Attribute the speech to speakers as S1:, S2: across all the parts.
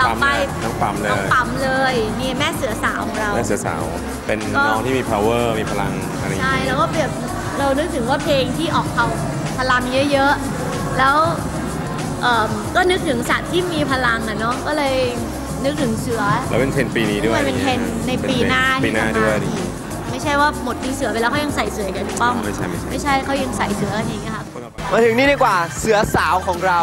S1: ต่อไป
S2: น้องปั๊มเลย
S1: น้องปั๊มเลยนี่แม่เสือสาวของเรา
S2: แม่เสือสาวเป็นน้องที่มี power มีพลังอะไรอย่างเงี้ย
S1: ใช่แล้วก็แบบเรานึกถึงว่าเพลงที่ออกเอาพลังเยอะๆแล้วก็นึกถึงสัตว์ที่มีพลังอ่ะเนาะก็เลยนึกถึงเสือ
S2: แล้วเป็นเทรนปีนี้ด้วย
S1: เป็นเทรนในปีหน้า
S2: ด้วย
S1: ไม่ใช่ว่าหมดปีเสือไปแล้วเขายังใส่เสือกันป้อมไม่ใช่เขายังใส่เสือกันอย่างเงี้ยครับ
S3: มาถึงนี่ดีกว่าเสือสาวของเรา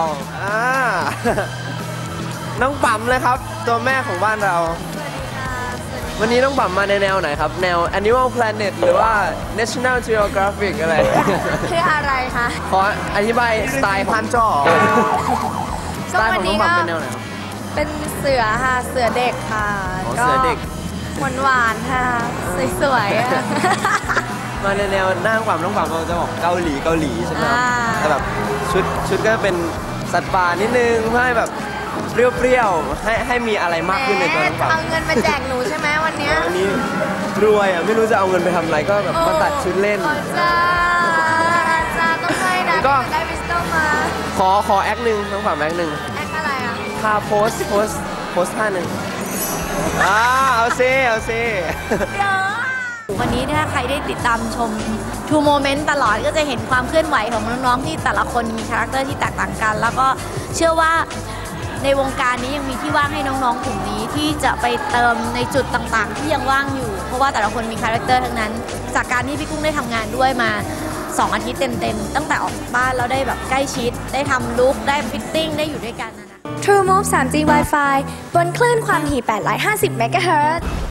S3: น้องปั๊มเลยครับตัวแม่ของบ้านเราวันนี้น้องปั๊มมาในแนวไหนครับแนว Animal Planet หรือว่า National Geographic อะไร
S4: คืออะไรคะ
S3: ขออธิบายสไตล์พันจ่อสไตล์ของน้องปั๊มเป็นแนวไหน
S4: เป็นเสือค่ะเสือเด็กค่ะ
S3: เสือเด็ก
S4: หวานๆค่ะสวย
S3: ๆมาในแนวหน้าน้องปั๊มเราจะบอกเกาหลีใช่ไหมครับแต่แบบชุดก็เป็นสัตว์ป่านิดนึงเพื่อให้แบบเปรี้ยวๆให้มีอะไรมากขึ้นในตัวน้องปั๊ม
S4: เอาเงินมาแจกหนูใช่ไหมวันนี้
S3: วันนี้รวยอ่ะไม่รู้จะเอาเงินไปทำอะไรก็แบบมาตัดชุดเล่น
S4: จ้าต้องให้นะได้วิสโตมา
S3: ขอแอคหนึ่งน้องปั๊มแอคหนึ่ง
S4: แอคอะไรอ่ะ
S3: ท่าโพสท่าหนึ่งเอาซิ
S1: วันนี้ถ้าใครได้ติดตามชม True Moment ตลอดก็จะเห็นความเคลื่อนไหวของน้องๆที่แต่ละคนมีคาแรคเตอร์ที่แตกต่างกันแล้วก็เชื่อว่าในวงการนี้ยังมีที่ว่างให้น้องๆกลุ่มนี้ที่จะไปเติมในจุดต่างๆที่ยังว่างอยู่เพราะว่าแต่ละคนมีคาแรคเตอร์ทั้งนั้นจากการที่พี่กุ้งได้ทำงานด้วยมา2 อาทิตย์เต็มๆตั้งแต่ออกจากบ้านแล้วได้แบบใกล้ชิดได้ทำลุคได้ฟิตติ้งได้อยู่ด้วยกันนะ
S4: True Move 3G Wi-Fi บนคลื่นความถี่850 เมกะเฮิรตซ์